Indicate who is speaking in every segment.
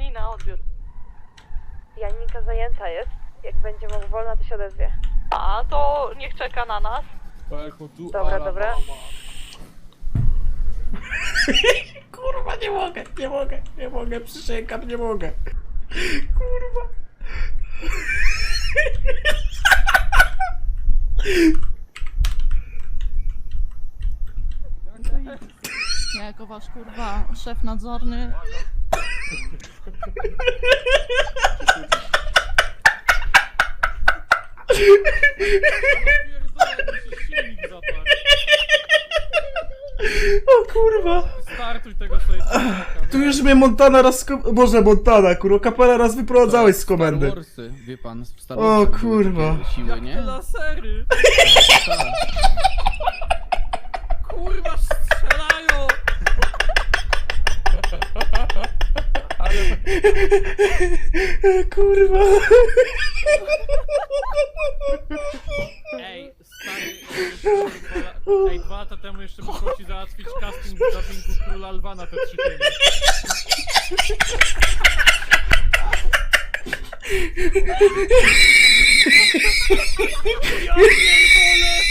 Speaker 1: Janina, odbiór.
Speaker 2: Janinka zajęta jest. Jak będzie mógł wolna, to się odezwie.
Speaker 1: A, to niech czeka na nas.
Speaker 2: Dobra, dobra.
Speaker 3: Kurwa, nie mogę, przysięgam, nie mogę. Kurwa.
Speaker 4: Ja jako wasz kurwa szef nadzorny.
Speaker 3: O kurwa.
Speaker 5: Startuj tego sobie.
Speaker 3: Tu już mnie Montana raz... Boże, Montana, kurwa, Kapela raz wyprowadzałeś z komendy.
Speaker 6: Star Warsy, wie pan, w Star
Speaker 3: O,
Speaker 6: Warsach były
Speaker 3: kurwa.
Speaker 6: takie siły,
Speaker 5: Jak
Speaker 6: nie?
Speaker 5: te lasery.
Speaker 6: Tak.
Speaker 5: Kurwa, strzelają.
Speaker 3: Kurwa.
Speaker 5: Ej, stary, ej, 2 lata temu jeszcze muszę ci załatwić casting w dubbingu Króla Lwa na te 3 filmy. Ja pierdolę!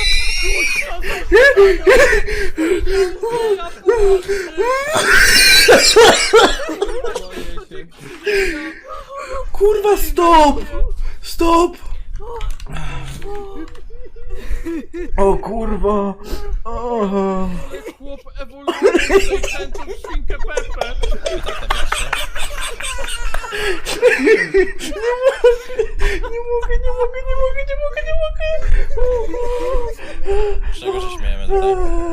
Speaker 3: Kurwa, stop! Stop! O kurwa! O.
Speaker 5: Jest chłop ewolucyjny i kręcą w świnkę Pepe.
Speaker 3: Nie mogę!
Speaker 7: Czego się śmiejemy tutaj?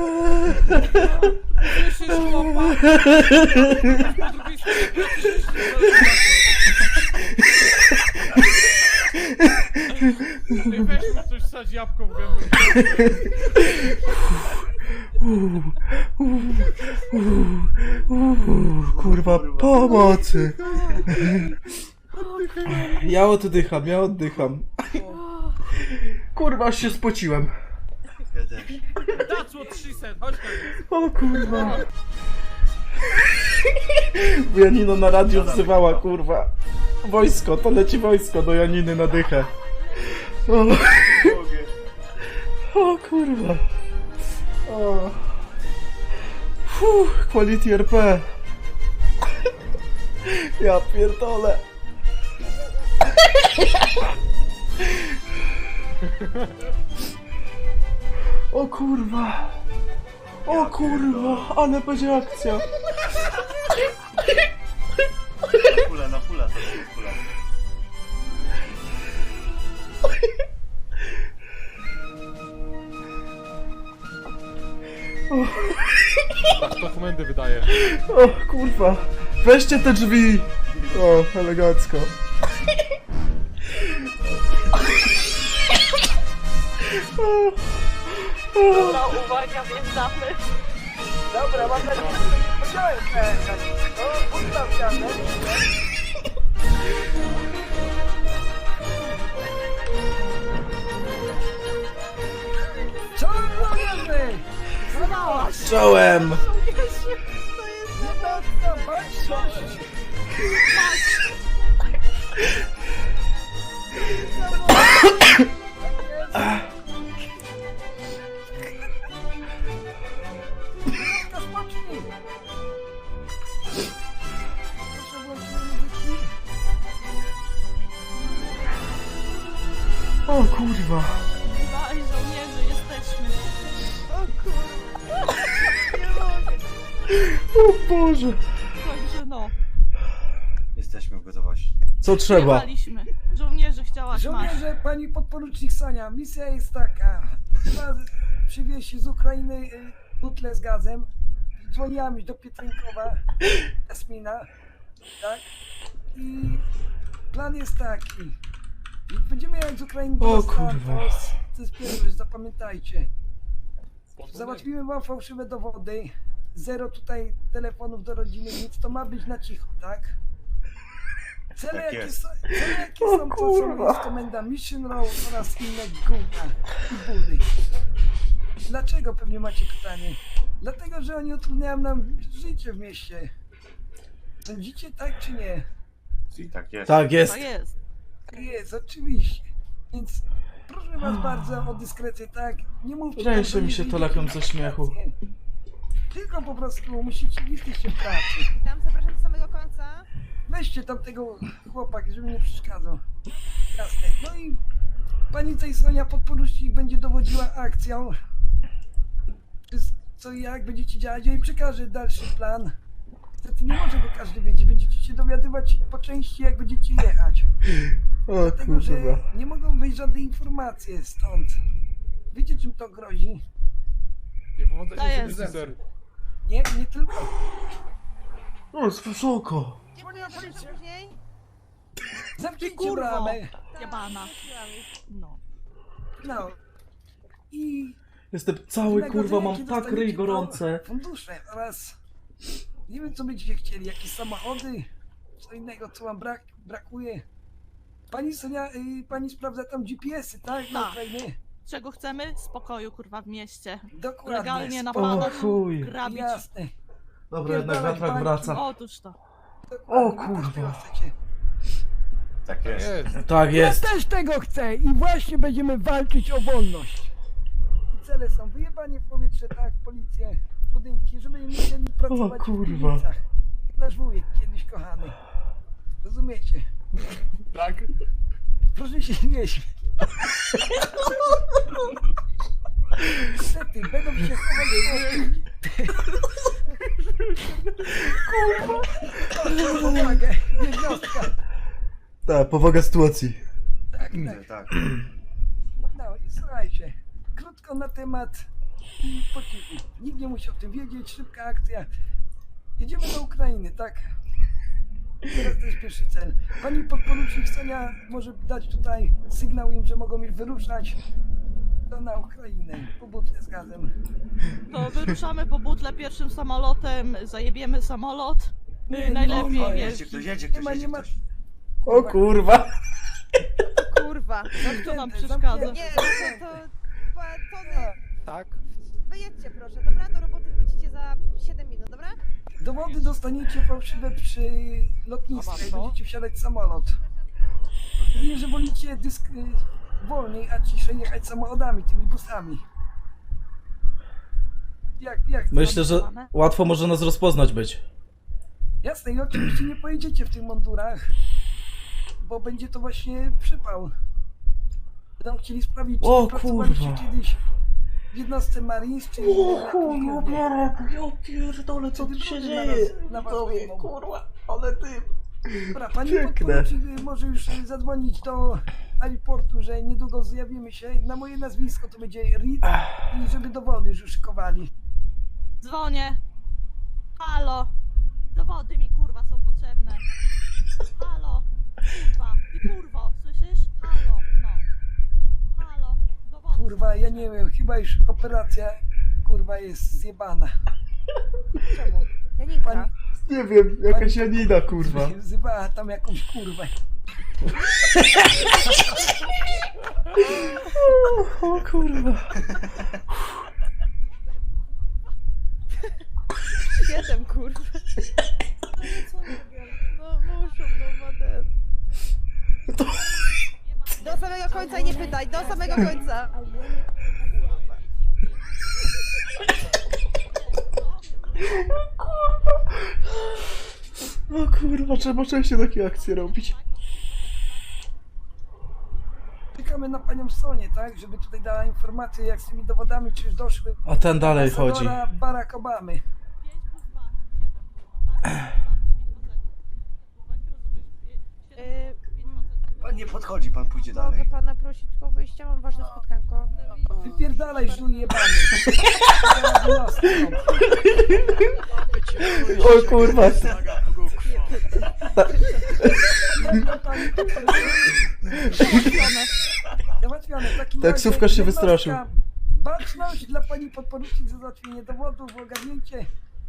Speaker 5: Słyszysz chłopa? Po drugiej stronie Ej, weź mi coś wsadź jabłko w gębę.
Speaker 3: Kurwa, pomocy! Ja oddycham. Kurwa, aż się spociłem.
Speaker 5: That's what she said, chodź tam.
Speaker 3: O kurwa. Janino na radiu wzywała, kurwa. Wojsko, to leci wojsko do Janiny na dychę. O kurwa. O. Quality RP. Ja pierdolę. O kurwa. O kurwa, ale będzie akcja.
Speaker 7: Na pula, to jest pula.
Speaker 5: To komendy wydaje.
Speaker 3: O kurwa. Weźcie te drzwi. O, elegancko.
Speaker 1: Dobra, uwaga, wjeżdżamy.
Speaker 2: Dobra, mam nadzieję, że nie spodziewałem się. O, ustaw się. Co robimy?
Speaker 3: Czołem. O kurwa.
Speaker 4: Dwaj żołnierze jesteśmy.
Speaker 3: O Boże.
Speaker 4: Także no,
Speaker 7: Jesteśmy w gotowości.
Speaker 3: Co trzeba?
Speaker 4: jechaliśmy. Żołnierzy chciałaś, masz.
Speaker 8: Żołnierze, pani podporucznik Sonia, misja jest taka. Trzeba przywieźć z Ukrainy butlę z gazem. Dzwoniłam już do Pietrynkowa, Jasmina, tak? I plan jest taki. Będziemy jechać z Ukrainy
Speaker 3: O
Speaker 8: do
Speaker 3: kurwa.
Speaker 8: Santos. To jest pierwszy, zapamiętajcie. Załatwimy wam fałszywe dowody. Zero tutaj telefonów do rodziny, nic. To ma być na cicho, tak? Cele
Speaker 7: Tak
Speaker 8: jakie
Speaker 7: jest.
Speaker 8: są,
Speaker 3: O
Speaker 8: to
Speaker 3: kurwa.
Speaker 8: jest komenda Mission Row oraz inne gówna i budy. Dlaczego, pewnie macie pytanie? Dlatego, że oni utrudniają nam życie w mieście. Sądzicie tak czy nie?
Speaker 7: I tak jest.
Speaker 3: Tak jest.
Speaker 4: To jest.
Speaker 8: Jest, oczywiście. Więc proszę was bardzo o dyskrecję, tak? Nie mówcie tam,
Speaker 3: Ręsze
Speaker 8: że
Speaker 3: mi
Speaker 8: nie
Speaker 3: się to
Speaker 8: wyjdziecie
Speaker 3: lepią
Speaker 8: na
Speaker 3: ze śmiechu.
Speaker 8: wakacje. Tylko po prostu musicie, jesteście w pracy.
Speaker 9: Witam, zapraszam do samego końca.
Speaker 8: Weźcie tam tego chłopaka, żeby nie przeszkadzał. Jasne. No i pani Sonia podporucznik będzie dowodziła akcją. Co i jak będziecie działać, ja jej przekażę dalszy plan. Niestety nie może go każdy wiedzieć, będziecie się dowiadywać po części, jak będziecie jechać.
Speaker 3: O
Speaker 8: Dlatego, że
Speaker 3: kurwa.
Speaker 8: nie mogą wyjść żadne informacje stąd. Wiecie, czym to grozi?
Speaker 4: To jest.
Speaker 8: Nie tylko.
Speaker 3: O, jest wysoko.
Speaker 9: Dziękuję, zapraszam później.
Speaker 8: Zamknijcie
Speaker 4: kurwo.
Speaker 8: bramę.
Speaker 4: Jebana. No.
Speaker 8: No. I
Speaker 3: Jestem cały kurwa,
Speaker 8: wynagrodzenie,
Speaker 3: mam
Speaker 8: kiedy
Speaker 3: tak ryj
Speaker 8: dostaniecie
Speaker 3: gorące.
Speaker 8: fundusze oraz nie wiem, co będziecie chcieli, jakieś samochody, co innego, co wam brakuje. Pani Sonia, pani sprawdza tam GPS-y, tak? Na
Speaker 4: Tak.
Speaker 8: Ukrainie?
Speaker 4: Czego chcemy? Spokoju, kurwa, w mieście.
Speaker 8: Dokładnie.
Speaker 4: Legalnie
Speaker 8: spoko.
Speaker 4: napadać,
Speaker 3: chuj.
Speaker 4: grabić.
Speaker 8: Jasne.
Speaker 3: Dobra, jednak
Speaker 8: Pierdalać
Speaker 3: wiatrak
Speaker 8: bańki.
Speaker 3: wraca.
Speaker 4: Otóż to.
Speaker 8: Dokładnie.
Speaker 3: O,
Speaker 8: Wy też
Speaker 3: kurwa.
Speaker 8: tego chcecie.
Speaker 7: Tak jest.
Speaker 3: Tak jest.
Speaker 8: Ja też tego chcę i właśnie będziemy walczyć o wolność. I cele są wyjebanie w powietrze, tak, policję, budynki, żeby nie musieli pracować
Speaker 3: kurwa.
Speaker 8: w piwnicach. Nasz wujek kiedyś kochany. Rozumiecie?
Speaker 5: Tak?
Speaker 8: Proszę się nie śmiać. Niestety, będą się chować. Kurwa! Powagę, jednostka.
Speaker 3: Tak, powaga sytuacji.
Speaker 8: Tak, tak.
Speaker 7: Tak.
Speaker 8: No i słuchajcie, krótko na temat i po cichu. Nikt nie musi o tym wiedzieć, szybka akcja. Jedziemy do Ukrainy, tak? Teraz to jest pierwszy cel. Pani podporucznik Sonia może dać tutaj sygnał im, że mogą już wyruszać to na Ukrainę, po butle z gazem.
Speaker 4: To wyruszamy po butle pierwszym samolotem, zajebiemy samolot. Najlepiej,
Speaker 8: nie,
Speaker 4: wiesz.
Speaker 7: Jedzie ktoś, jedzie
Speaker 8: Nie
Speaker 7: ktoś,
Speaker 8: ma, nie
Speaker 7: jedzie
Speaker 8: ma.
Speaker 7: ktoś.
Speaker 3: O kurwa.
Speaker 9: Kurwa.
Speaker 4: Kto nam
Speaker 8: Zamknięte,
Speaker 4: przeszkadza?
Speaker 8: zamknięte.
Speaker 9: Nie, to
Speaker 6: Tak?
Speaker 9: wyjedźcie proszę, dobra? Do roboty wrócicie za 7 minut, dobra?
Speaker 8: Dowody dostaniecie fałszywe przy lotnisku, jak będziecie wsiadać w samolot. Mówię, że wolicie wolniej, a ciszej jechać samochodami, tymi busami. Jak to
Speaker 3: Myślę, że
Speaker 4: mamy?
Speaker 3: łatwo może nas rozpoznać być.
Speaker 8: Jasne, i oczywiście nie pojedziecie w tych mundurach, bo będzie to właśnie przypał. Będą chcieli sprawdzić, czy
Speaker 3: O,
Speaker 8: nie pracowaliście
Speaker 3: kurwa.
Speaker 8: kiedyś w jednostce Marines, czy
Speaker 3: ja pierdolę, co tu się dzieje? Widzowie, kurwa, ale ty...
Speaker 8: Dobra, pani
Speaker 3: Piękne.
Speaker 8: podporucznik może już zadzwonić do aeroportu, że niedługo zjawimy się. Na moje nazwisko to będzie Reed i żeby dowody już szykowali.
Speaker 4: Dzwonię. Halo. Dowody mi kurwa są potrzebne. Halo. Kurwa. Ty kurwo, słyszysz? Halo. No. Halo. Dowody.
Speaker 8: Kurwa, ja nie wiem, chyba już operacja kurwa jest zjebana.
Speaker 9: Czemu? Janinka.
Speaker 8: Pani
Speaker 3: Nie wiem, jakaś Janina, kurwa.
Speaker 8: wzywała tam jakąś kurwę.
Speaker 3: O kurwa.
Speaker 9: 7, kurwa. No muszą, no ma ten. Do samego końca i nie pytaj, do samego końca.
Speaker 3: O kurwa, trzeba częściej takie akcje robić.
Speaker 8: Czekamy na panią Sonię, tak? Żeby tutaj dała informację, jak z tymi dowodami, czy już doszły.
Speaker 3: A ten dalej chodzi.
Speaker 8: Ambasadora Barack Obamy.
Speaker 4: 5+2, 7.
Speaker 7: Pan nie podchodzi, pan pójdzie
Speaker 9: Mogę
Speaker 7: dalej.
Speaker 9: pana prosić tylko wyjścia, mam ważne spotkanko.
Speaker 8: Wypierdalaj, żuj jebany.
Speaker 3: O kurwa.
Speaker 8: Załatwione. W takim
Speaker 3: Taksówkarz
Speaker 8: razie
Speaker 3: się wystraszył.
Speaker 8: jednostka. Baczność dla pani podporucznik za załatwienie dowodów, ogarnięcie.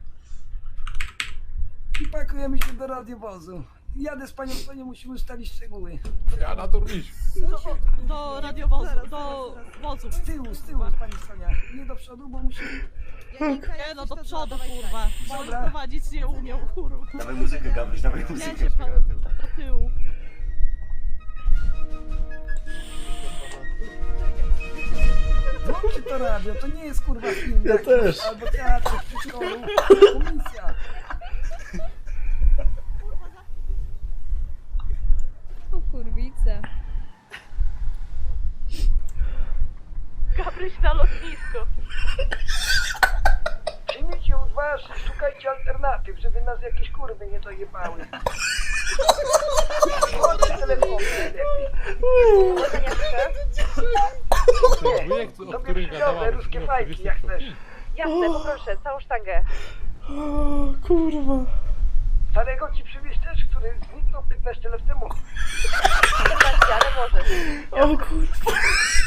Speaker 8: I pakujemy się do radiowozu. Jadę z panią Sonią, musimy ustalić szczegóły.
Speaker 5: Ja na to iść.
Speaker 4: Do radiowozu, do wozu.
Speaker 8: Z tyłu pani Sonia. Nie do przodu, bo musimy...
Speaker 9: Janinka,
Speaker 4: Nie
Speaker 9: jak
Speaker 4: no,
Speaker 9: coś,
Speaker 4: do
Speaker 9: to
Speaker 4: przodu
Speaker 9: dawaj,
Speaker 4: kurwa.
Speaker 8: Dobra.
Speaker 4: Bo prowadzić nie umiał kurwa.
Speaker 7: Dawaj muzykę, Gabryś, dawaj
Speaker 4: Ja
Speaker 7: muzykę.
Speaker 4: się pan... tyłu.
Speaker 8: Włączcie to radio, to nie jest kurwa film.
Speaker 3: Ja
Speaker 8: jakiś,
Speaker 3: też.
Speaker 8: Albo teatr w przedszkolu. Komisja.
Speaker 9: O kurwice.
Speaker 1: Gabryś na lotnisko.
Speaker 8: Przyjmijcie odważ i szukajcie alternatyw, żeby nas jakieś kurwy nie dojebały. Chodźcie telefon najlepiej.
Speaker 5: Wujek, o
Speaker 8: Sobie
Speaker 5: którym
Speaker 8: przywiozę
Speaker 5: gadałam,
Speaker 8: ruskie
Speaker 5: no,
Speaker 8: fajki, jak chcesz.
Speaker 1: Jasne, poproszę, całą sztangę.
Speaker 3: O kurwa.
Speaker 8: Starego ci przywieźć też, który zniknął 15 lat temu.
Speaker 1: 14, ale możesz.
Speaker 3: O kurwa.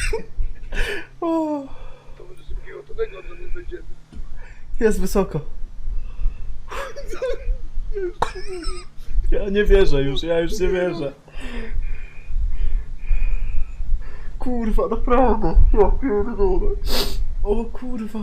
Speaker 3: O.
Speaker 8: To może drugiego tego, co nie będziemy.
Speaker 3: Jest wysoko. Ja nie wierzę już, ja już nie wierzę. Kurwa, naprawdę. Ja pierdolę. O kurwa.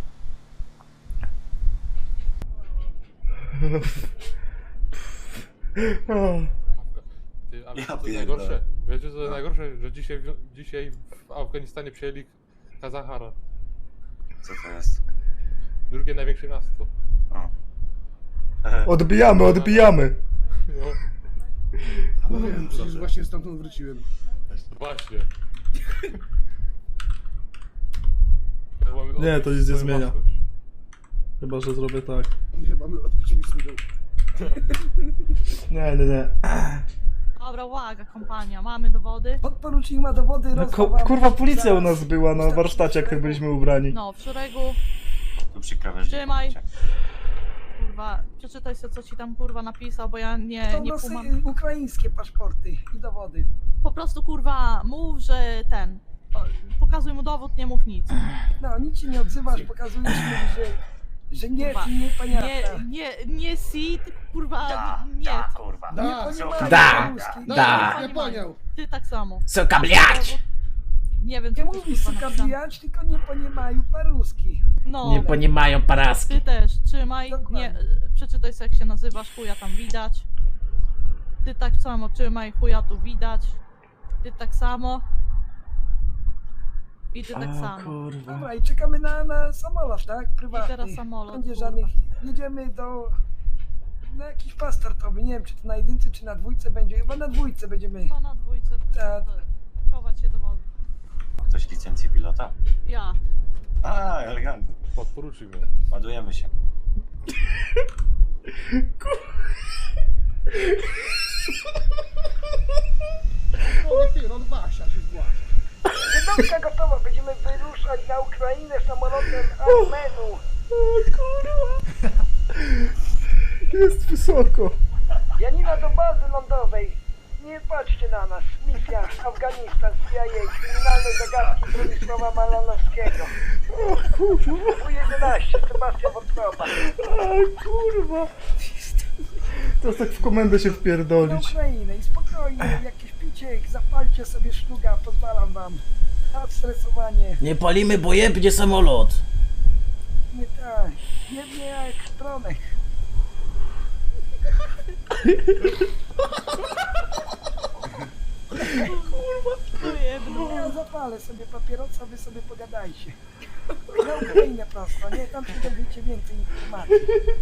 Speaker 5: Ty, a
Speaker 7: Ja
Speaker 5: wiecie co jest
Speaker 7: pierdolę.
Speaker 5: najgorsze? Wiecie co jest najgorsze? Że dzisiaj w Afganistanie przejęli Kazachara.
Speaker 7: Co to jest?
Speaker 5: Drugie największe miasto.
Speaker 7: O.
Speaker 3: Odbijamy, odbijamy.
Speaker 5: No,
Speaker 10: No wiem, przecież właśnie stamtąd wróciłem.
Speaker 5: właśnie. Mamy
Speaker 3: Nie, to
Speaker 5: odbić
Speaker 3: nic nie
Speaker 5: swoją
Speaker 3: zmienia.
Speaker 5: własność.
Speaker 3: Chyba, że zrobię tak.
Speaker 10: Nie, mamy odbić mi swój.
Speaker 3: Nie, nie, nie.
Speaker 4: Dobra, uwaga, kompania, mamy dowody.
Speaker 8: Podporucznik ma dowody,
Speaker 3: No,
Speaker 8: rozchowam.
Speaker 3: kurwa, policja u nas była na warsztacie, jak tak byliśmy ubrani.
Speaker 4: No, w szeregu,
Speaker 7: Tu przy krawężniku.
Speaker 4: Trzymaj. kurwa, przeczytaj sobie, co ci tam kurwa napisał, bo ja nie
Speaker 8: To nosy
Speaker 4: kumam.
Speaker 8: ukraińskie paszporty i dowody.
Speaker 4: Po prostu kurwa, mów, że ten. Pokazuj mu dowód, nie mów nic.
Speaker 8: No, nic się nie odzywasz, pokazujesz mi, że nie,
Speaker 4: Kurwa,
Speaker 8: nie paniata.
Speaker 4: Nie si, tylko kurwa, nie.
Speaker 7: Da, kurwa.
Speaker 8: Nie
Speaker 10: Da,
Speaker 8: ponimają
Speaker 3: Da.
Speaker 8: ruski.
Speaker 3: Da.
Speaker 10: Nie poniał.
Speaker 4: Ty tak samo.
Speaker 3: Suka bliać!
Speaker 4: Nie wiem,
Speaker 8: Nie
Speaker 4: co tu
Speaker 8: mówisz
Speaker 4: kurwa
Speaker 8: suka
Speaker 4: napisane.
Speaker 8: bijać, tylko nie ponimają paruski.
Speaker 4: No,
Speaker 3: Nie ponimają paraski.
Speaker 4: ty też, trzymaj,
Speaker 8: Dokładnie.
Speaker 4: nie, przeczytaj sobie, jak się nazywasz, chuja tam widać. Ty tak samo, trzymaj, chuja tu widać. Ty tak samo. I ty tak
Speaker 3: O
Speaker 4: samo.
Speaker 3: kurwa.
Speaker 8: Dobra, i czekamy na samolot, tak? Prywatny.
Speaker 4: I teraz samolot,
Speaker 8: Będzie
Speaker 4: kurwa.
Speaker 8: żadnych. Jedziemy na jakiś pas startowy. Nie wiem, czy to na jedynce, czy na dwójce będzie. Chyba na dwójce będziemy.
Speaker 4: To na dwójce,
Speaker 8: Tak.
Speaker 4: chować się do wody.
Speaker 7: Ktoś licencję pilota?
Speaker 4: Ja.
Speaker 7: A, elegancko.
Speaker 5: Podporuczył mnie.
Speaker 7: Ładujemy się.
Speaker 10: O, nie, on Wasia się zgłasza.
Speaker 8: Jednostka gotowa. Będziemy wyruszać na Ukrainę samolotem Armenu.
Speaker 3: O kurwa. Jest wysoko.
Speaker 8: Janina do bazy lądowej. Nie patrzcie na nas. Misja Afganistan, CIA, kryminalne zagadki Bronisława Malanowskiego.
Speaker 3: O kurwa.
Speaker 8: U-11, Sebastian Wątroba.
Speaker 3: O kurwa. Teraz tak w komendę się
Speaker 8: Na
Speaker 3: wpierdolić.
Speaker 8: Ukrainę i spokojnie, jakieś picie, zapalcie sobie szluga, pozwalam wam. Na stresowanie.
Speaker 3: Nie palimy, bo jebnie samolot.
Speaker 8: Nie tak, jednie jak stronek. Ja zapalę sobie papierosa, wy sobie pogadajcie. Na Ukrainę prosto, nie? Tam się dowiecie więcej informacji.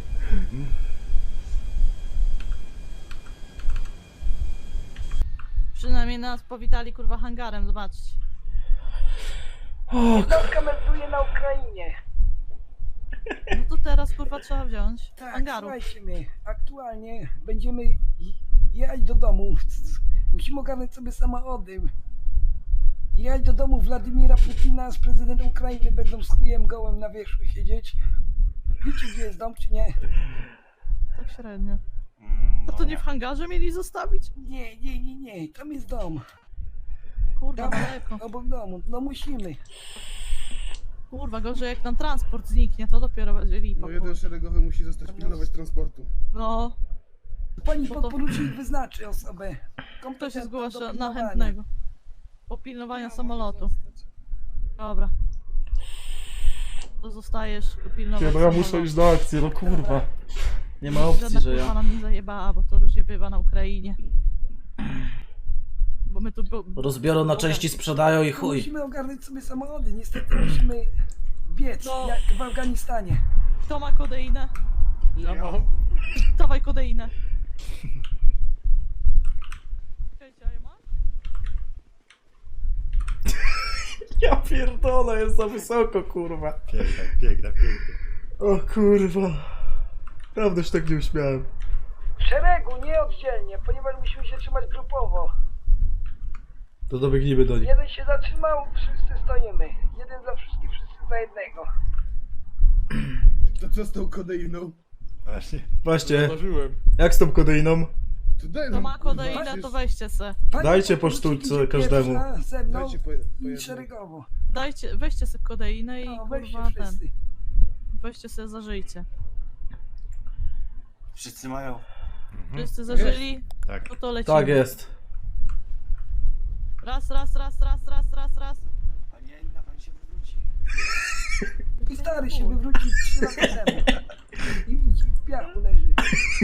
Speaker 4: Przynajmniej nas powitali kurwa hangarem, zobaczcie.
Speaker 8: Jednostka melduje na Ukrainie.
Speaker 4: No to teraz kurwa trzeba wziąć
Speaker 8: Tak,
Speaker 4: hangaru.
Speaker 8: słuchajcie mnie, aktualnie będziemy jechać do domu. Musimy ogarnąć sobie samochody. Jechać do domu Władimira Putina z prezydentem Ukrainy, będą z chujem gołem na wierzchu siedzieć. Wiecie, gdzie jest dom, czy nie?
Speaker 4: Tak średnio.
Speaker 7: No
Speaker 4: A to nie w hangarze mieli zostawić?
Speaker 8: Nie, tam jest dom.
Speaker 4: Kurwa,
Speaker 8: Tam,
Speaker 4: daleko.
Speaker 8: obok domu, no musimy.
Speaker 4: Kurwa, gorzej jak nam transport zniknie, to dopiero będzie lipa.
Speaker 10: No jeden szeregowy musi zostać pilnować transportu.
Speaker 4: No,
Speaker 8: Pani
Speaker 4: Bo to-
Speaker 8: podporucznik wyznaczy osobę.
Speaker 4: kto się
Speaker 8: kompetentną do
Speaker 4: zgłasza na
Speaker 8: pilnowania.
Speaker 4: chętnego? Popilnowania samolotu. Dobra. To zostajesz pilnować
Speaker 3: Nie, no ja muszę
Speaker 4: samolotu.
Speaker 3: iść do akcji, no kurwa. Nie ma opcji,
Speaker 4: Żadna
Speaker 3: że
Speaker 4: kurwa
Speaker 3: ja...
Speaker 4: nam nie zajebała, bo to różnie bywa na Ukrainie. my tu...
Speaker 3: Rozbiorą na części, sprzedają i chuj.
Speaker 8: Musimy ogarnąć sobie samochody, niestety musimy biec,
Speaker 4: No.
Speaker 8: jak w Afganistanie.
Speaker 4: Kto ma kodeinę?
Speaker 5: Ja mam.
Speaker 4: Dawaj kodeinę. Czekajcie, a ja mam?
Speaker 3: Ja pierdolę, jest za wysoko, kurwa.
Speaker 7: Piękna, piękna, piękna.
Speaker 3: O kurwa. Prawda się tak nie uśmiałem.
Speaker 8: W szeregu, nie oddzielnie, ponieważ musimy się trzymać grupowo.
Speaker 3: To dobiegnijmy do nich.
Speaker 8: Jeden się zatrzymał, wszyscy stoimy. Jeden za wszystkich, wszyscy za jednego.
Speaker 10: To co z tą kodeiną?
Speaker 7: Właśnie.
Speaker 3: Właśnie,
Speaker 5: Zauważyłem.
Speaker 3: jak z tą kodeiną?
Speaker 10: To daj
Speaker 4: Kto
Speaker 10: nam,
Speaker 4: ma
Speaker 10: kurwa,
Speaker 4: kodeinę, to
Speaker 10: przecież-
Speaker 4: weźcie se.
Speaker 8: Pani
Speaker 3: Dajcie po
Speaker 8: powinna
Speaker 3: sztuce
Speaker 8: iść
Speaker 3: każdemu.
Speaker 8: pierwsza Ze mną
Speaker 10: Dajcie po
Speaker 8: i
Speaker 10: jednej.
Speaker 8: szeregowo.
Speaker 4: Dajcie, weźcie se kodeinę i
Speaker 8: No, weźcie
Speaker 4: kurwa ten.
Speaker 8: wszyscy.
Speaker 4: Weźcie se, zażyjcie.
Speaker 7: Wszyscy mają.
Speaker 4: Wszyscy zażyli?
Speaker 7: Tak.
Speaker 4: No to lecimy.
Speaker 3: Tak jest.
Speaker 4: Raz.
Speaker 7: A nie, inna pani się wywróci.
Speaker 8: I stary się wywrócił 3 lata temu. I w piachu leży.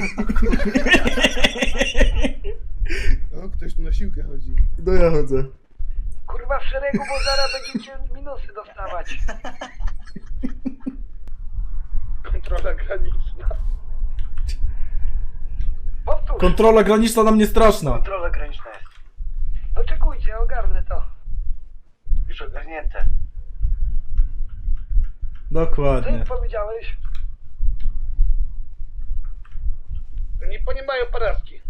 Speaker 10: O, ktoś tu na siłkę chodzi.
Speaker 3: No ja chodzę.
Speaker 8: Kurwa w szeregu, bo zaraz będziecie minusy dostawać. Kontrola graniczna. Powtórz.
Speaker 3: Kontrola graniczna na mnie straszna.
Speaker 7: Kontrola graniczna jest.
Speaker 8: Oczekujcie, ogarnę to.
Speaker 7: Już ogarnięte.
Speaker 8: Co
Speaker 3: Dokładnie.
Speaker 8: im powiedziałeś? Nie mają paraski.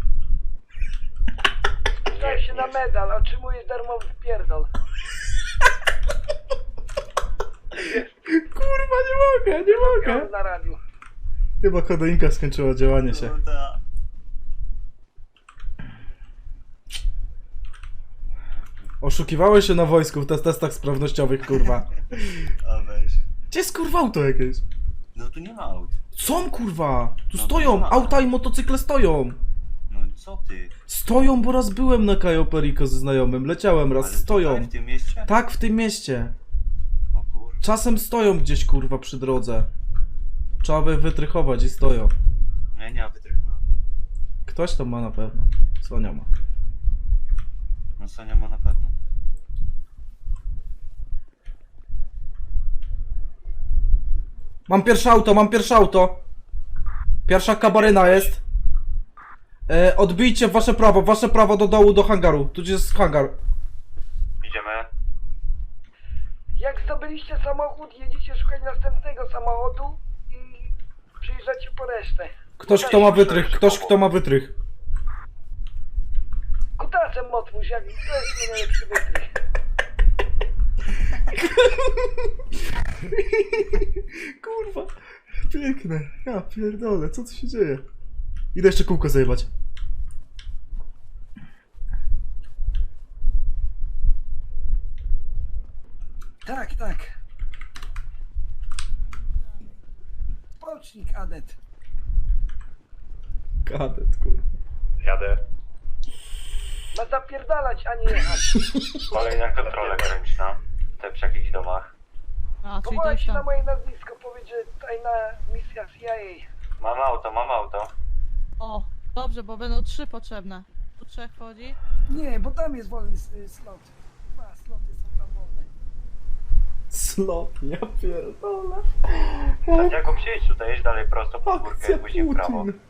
Speaker 8: Zdaj się na medal, otrzymujesz darmowy pierdol.
Speaker 3: Kurwa, nie mogę.
Speaker 8: Na radiu.
Speaker 3: Chyba kodeinka skończyła działanie się.
Speaker 7: Kurde.
Speaker 3: Oszukiwałeś się na wojsku w testach sprawnościowych, kurwa.
Speaker 7: A weź.
Speaker 3: Gdzie jest kurwa auto jakieś?
Speaker 7: No tu nie ma aut.
Speaker 3: Są kurwa! Tu
Speaker 7: No,
Speaker 3: stoją!
Speaker 7: nie ma.
Speaker 3: Auta i motocykle stoją!
Speaker 7: No co ty?
Speaker 3: Stoją, bo raz byłem na Cayo Perico ze znajomym, leciałem raz,
Speaker 7: Ale
Speaker 3: stoją.
Speaker 7: tutaj w tym mieście?
Speaker 3: Tak, w tym mieście.
Speaker 7: O kurde.
Speaker 3: Czasem stoją gdzieś kurwa przy drodze. Trzeba by wytrychować i stoją.
Speaker 7: Nie ma wytrychu.
Speaker 3: Ktoś tam ma na pewno. Sonia ma.
Speaker 7: No Sonia ma na pewno.
Speaker 3: Mam pierwsze auto. Pierwsza kabaryna jest. Odbijcie w wasze prawo do dołu, do hangaru. Tu jest hangar.
Speaker 7: Idziemy.
Speaker 8: Jak zdobyliście samochód, jedziecie szukać następnego samochodu i przyjeżdżacie po resztę.
Speaker 3: Ktoś kto ma wytrych, ktoś kto ma wytrych.
Speaker 8: Kutacem otwórz, jak to jest mój najlepszy wytrych.
Speaker 3: Kurwa, piękne. Ja pierdolę, co tu się dzieje? Idę jeszcze kółko zajebać.
Speaker 8: Tak, tak. Pocznik, adet.
Speaker 3: Kadet, kurwa.
Speaker 7: Jadę.
Speaker 8: Ma zapierdalać, a nie jechać.
Speaker 7: Kolejna kontrola graniczna. Te przy jakichś domach.
Speaker 4: A, czyli
Speaker 8: Powołaj
Speaker 4: coś
Speaker 8: się na
Speaker 4: tam.
Speaker 8: moje nazwisko, powiedz, że tajna misja CIA.
Speaker 7: Mam auto.
Speaker 4: O, dobrze, bo będą 3 potrzebne. Tu 3 chodzi.
Speaker 8: Nie, bo tam jest wolny slot. 2 sloty są tam wolne.
Speaker 3: Slot, ja pierdolę.
Speaker 7: Santiago, przyjedź tutaj, jedź dalej prosto po górkę
Speaker 3: Akcja
Speaker 7: i później w prawo.
Speaker 3: Putin.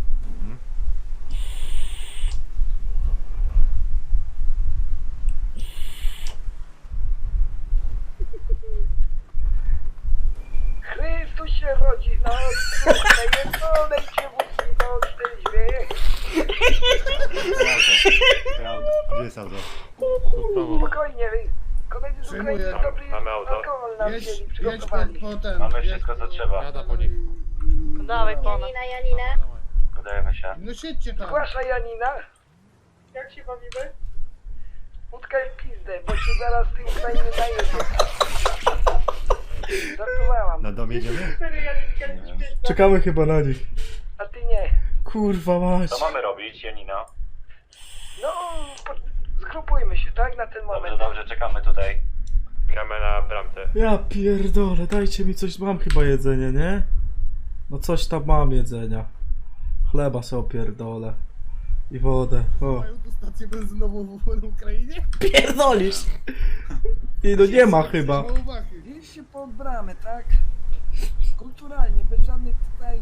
Speaker 8: Chrystus się rodzi na odstępnej, jedzonej cię wózki do odstęźwie.
Speaker 7: Prawda. Gdzie jest auto?
Speaker 8: Spokojnie, koledzy z Ukrainy
Speaker 10: Przyjmuję.
Speaker 8: dobry
Speaker 7: Mamy auto.
Speaker 8: alkohol nam
Speaker 10: Jedź,
Speaker 8: wzięli,
Speaker 10: jedź
Speaker 8: przygotowali.
Speaker 10: po ten.
Speaker 7: Mamy
Speaker 10: jedź
Speaker 7: wszystko co
Speaker 10: po-
Speaker 7: trzeba.
Speaker 5: Jada po nich.
Speaker 1: Dawaj pana.
Speaker 9: Janina.
Speaker 7: Podajemy się.
Speaker 10: No siedźcie tam.
Speaker 8: Zgłasza Janina. Jak się bawimy? Utkaj pizdę, bo się zaraz z tej Ukrainy najedzie. Żartowałam,
Speaker 7: Na dom jedziemy?
Speaker 3: Czekamy chyba na nich.
Speaker 8: a ty nie.
Speaker 3: Kurwa mać.
Speaker 7: Co mamy robić, Janina?
Speaker 8: No, zgrupujmy się, tak, na ten moment.
Speaker 7: Dobrze, czekamy tutaj. Gramy na bramce.
Speaker 3: Ja pierdolę, dajcie mi coś, mam chyba jedzenie, nie? No coś tam mam jedzenia. Chleba sobie opierdolę. I wodę. O.
Speaker 10: Mają tu stację benzynową w Ukrainie?
Speaker 3: Pierdolisz! I no nie ma chyba.
Speaker 10: Mało wachy.
Speaker 8: Wieźcie pod bramę, tak? Kulturalnie, bez żadnych tutaj...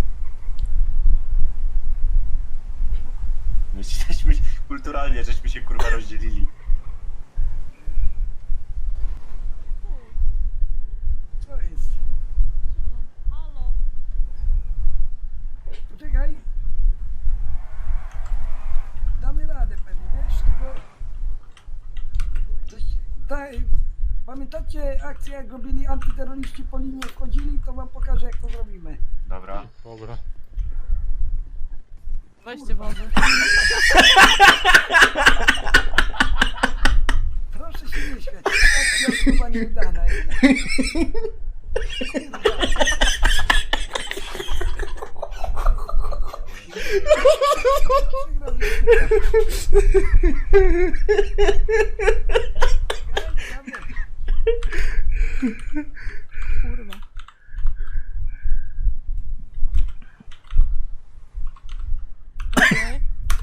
Speaker 7: My żeśmy kulturalnie, żeśmy się kurwa rozdzielili.
Speaker 8: Co jest?
Speaker 4: Halo.
Speaker 8: Poczekaj. Damy radę pewnie, wiesz, tylko... Pamiętacie akcję, jak robili antyterroryści po linii wchodzili? To wam pokażę, jak to zrobimy.
Speaker 7: Dobra.
Speaker 5: Dobra.
Speaker 4: Weźcie wodę.
Speaker 8: Proszę się nie śmiać. Akcja chyba nieudana jednak.
Speaker 4: Kurwa. Okej.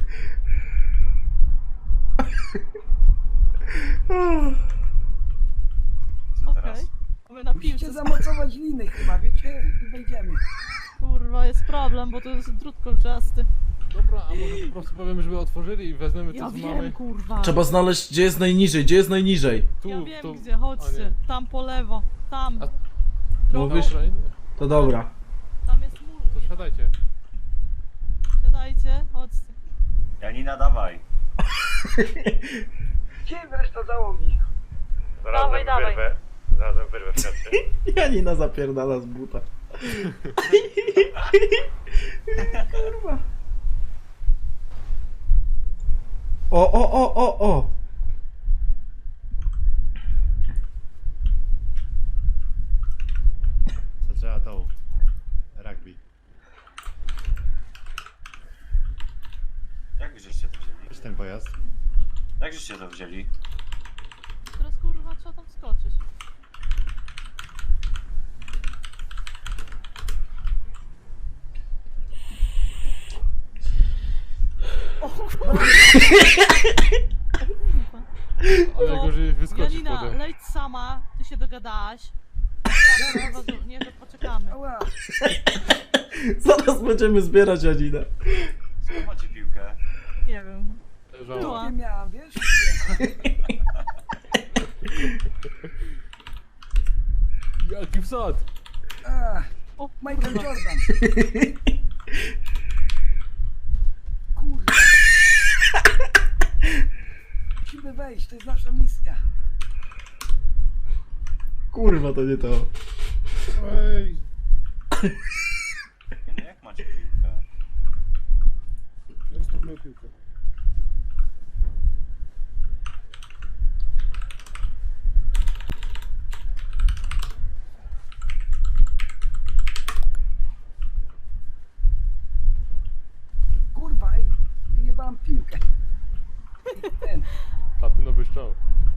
Speaker 7: Co
Speaker 4: Okej.
Speaker 7: teraz?
Speaker 4: My na
Speaker 8: Musicie
Speaker 4: piłce.
Speaker 8: zamocować liny chyba, wiecie? I wejdziemy.
Speaker 4: Kurwa, jest problem, bo to jest drut kolczasty.
Speaker 5: Dobra, a może po prostu powiemy, żeby otworzyli i wezmiemy
Speaker 4: Ja
Speaker 5: to z
Speaker 4: wiem,
Speaker 5: mamy.
Speaker 4: kurwa.
Speaker 3: Trzeba znaleźć, gdzie jest najniżej, gdzie jest najniżej.
Speaker 5: Tu,
Speaker 4: Ja wiem
Speaker 5: tu.
Speaker 4: gdzie,
Speaker 5: A
Speaker 4: chodźcie.
Speaker 5: nie.
Speaker 4: Tam po lewo. Tam.
Speaker 5: A-
Speaker 4: Drogą.
Speaker 3: Mówisz?
Speaker 5: Dobra, nie.
Speaker 3: To dobra.
Speaker 4: Tam jest mur.
Speaker 5: To siadajcie.
Speaker 4: Siadajcie, chodźcie.
Speaker 7: Janina, dawaj.
Speaker 8: Gdzie jest reszta załogi?
Speaker 1: Dawaj, dawaj.
Speaker 7: Razem wyrwę w kratce.
Speaker 3: Janina zapierdala z buta. Kurwa. O.
Speaker 7: Co trzeba tą? Rugby. Jak żeście to wzięli? Gdzieś ten pojazd? Jak żeście to wzięli?
Speaker 4: Teraz kurwa trzeba tam skoczyć. O kurwa.
Speaker 5: Ale gorzej wyskoczyć
Speaker 4: Janina,
Speaker 5: potem.
Speaker 4: leć sama, ty się dogadałaś. Zaraz, nie, to poczekamy.
Speaker 8: Ała,
Speaker 3: Zaraz będziemy zbierać Janina.
Speaker 7: Skąd macie piłkę?
Speaker 4: Nie wiem.
Speaker 5: Leżała.
Speaker 4: Była.
Speaker 8: nie miałam, wiesz?
Speaker 5: Jaki wsad?
Speaker 8: A,
Speaker 4: O,
Speaker 8: Michael
Speaker 4: kurwa.
Speaker 8: Jordan. Kurwa. Musimy wejść, to jest nasza misja.
Speaker 3: Kurwa, to nie to.
Speaker 10: Ej,
Speaker 7: No jak macie piłkę?
Speaker 10: zostaw moją piłkę.
Speaker 8: Kurwa, ej, wyjebałam piłkę. Ten.
Speaker 5: Platynowy strzał.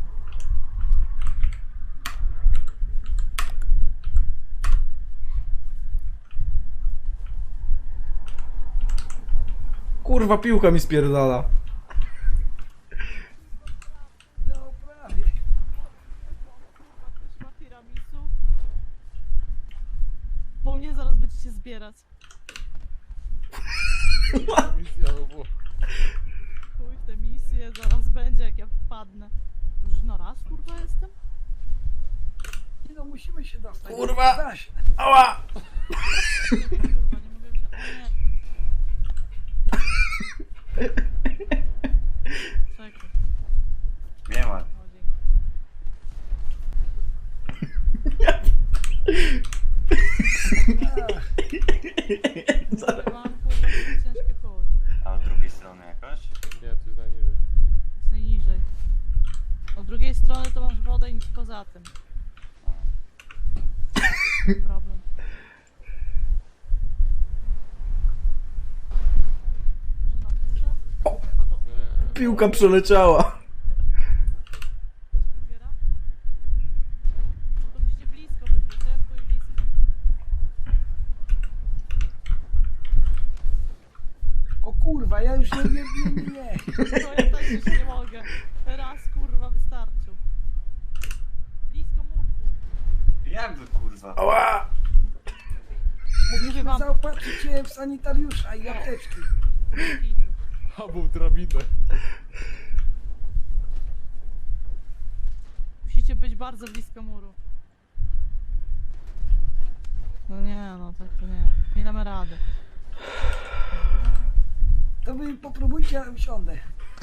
Speaker 3: Kurwa, piłka mi spierdala.
Speaker 8: No prawie.
Speaker 4: Ktoś ma tiramisu? Bo mnie zaraz będziecie zbierać.
Speaker 5: Misja, no bo...
Speaker 4: Chuj w te misje, zaraz będzie jak ja wpadnę. Już no raz kurwa jestem?
Speaker 8: Nie no, musimy się dostać.
Speaker 3: Kurwa.
Speaker 8: Da się.
Speaker 3: Ała!
Speaker 4: Kurwa, nie mogę wziąć. O nie. Czekaj.
Speaker 7: Nie ma.
Speaker 4: O, dzięki.
Speaker 8: A,
Speaker 4: Mam kurwa ciężkie poły.
Speaker 7: A od drugiej strony jakaś?
Speaker 5: Nie, to jest najniżej.
Speaker 4: Jest najniżej. Od drugiej strony to masz wodę i nic poza tym. Problem. Może na górze? A to
Speaker 3: Piłka przeleciała.
Speaker 4: chcesz burgera? No to musicie blisko być, bo ciężko i blisko.
Speaker 8: o kurwa, ja już nie
Speaker 4: Już nie mogę. Raz kurwa wystarczył. Blisko murku.
Speaker 7: Jakby kurwa.
Speaker 3: Ała!
Speaker 4: Mówię wam.
Speaker 8: Zaopatrzyć cię w sanitariusza i apteczki.
Speaker 5: Albo drabinę.
Speaker 4: Musicie być bardzo blisko muru. No nie, no tak to nie. Nie damy rady.
Speaker 8: To wy popróbujcie, ja usiądę.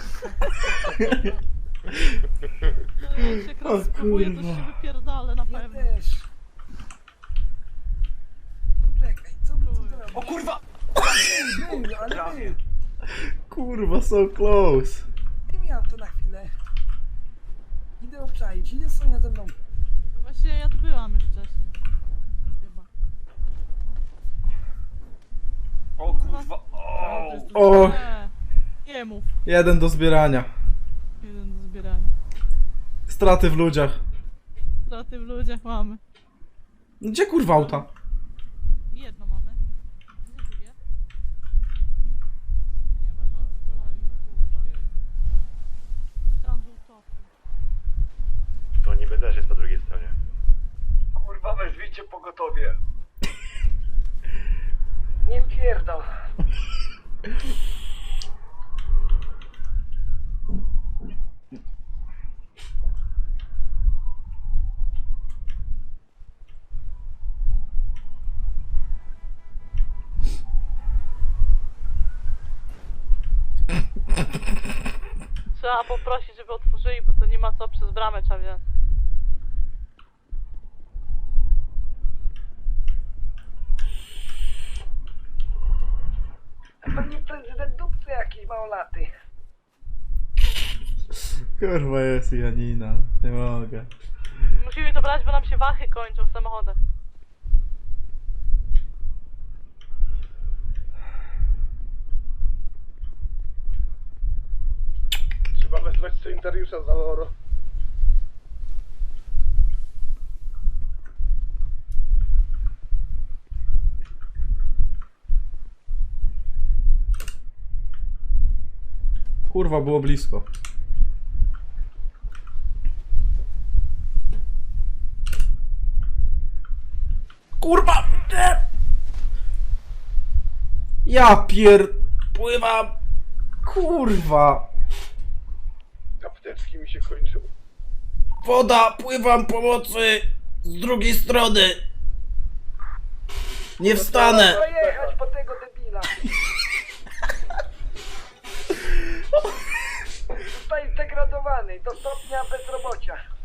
Speaker 4: No jak się raz spróbuję, to się wypierdolę na
Speaker 8: Ja
Speaker 4: pewno.
Speaker 8: też. Czekaj, co by tu zrobić?
Speaker 7: O kurwa!
Speaker 8: Był, ale był.
Speaker 3: Kurwa, so close.
Speaker 8: Nie miałem to na chwilę. Idę obczaić, idzie Sonia ze mną.
Speaker 4: No właśnie ja tu byłam już wcześniej. Chyba.
Speaker 7: O kurwa! O!
Speaker 3: O,
Speaker 4: Nie mów.
Speaker 3: jeden do zbierania.
Speaker 4: Jeden do zbierania.
Speaker 3: Straty w ludziach.
Speaker 4: Straty w ludziach mamy.
Speaker 3: No gdzie kurwa auta?
Speaker 4: Jedno mamy. Gdzie drugie? Nie ma. Kurwa. Tam był topu.
Speaker 1: To niby też jest po drugiej stronie.
Speaker 2: Kurwa, wezwijcie pogotowie. Nie pierdol.
Speaker 4: Trzeba poprosić, żeby otworzyli, bo to nie ma co przez bramę trzeba wziąć.
Speaker 2: Pewnie prezydent dupcy jakiś małolaty.
Speaker 3: Kurwa jest Janina. Nie mogę.
Speaker 4: Musimy to brać, bo nam się wachy kończą w samochodach.
Speaker 2: Trzeba wezwać sanitariusza za oro.
Speaker 3: Kurwa, było blisko. Kurwa! Nie! Ja pływam! Kurwa!
Speaker 2: Apteczki mi się kończą.
Speaker 3: Woda! Pływam pomocy! Z drugiej strony! Nie wstanę!
Speaker 2: Trzeba jechać po tego debila. Zostaje zdegradowany do stopnia bezrobocia.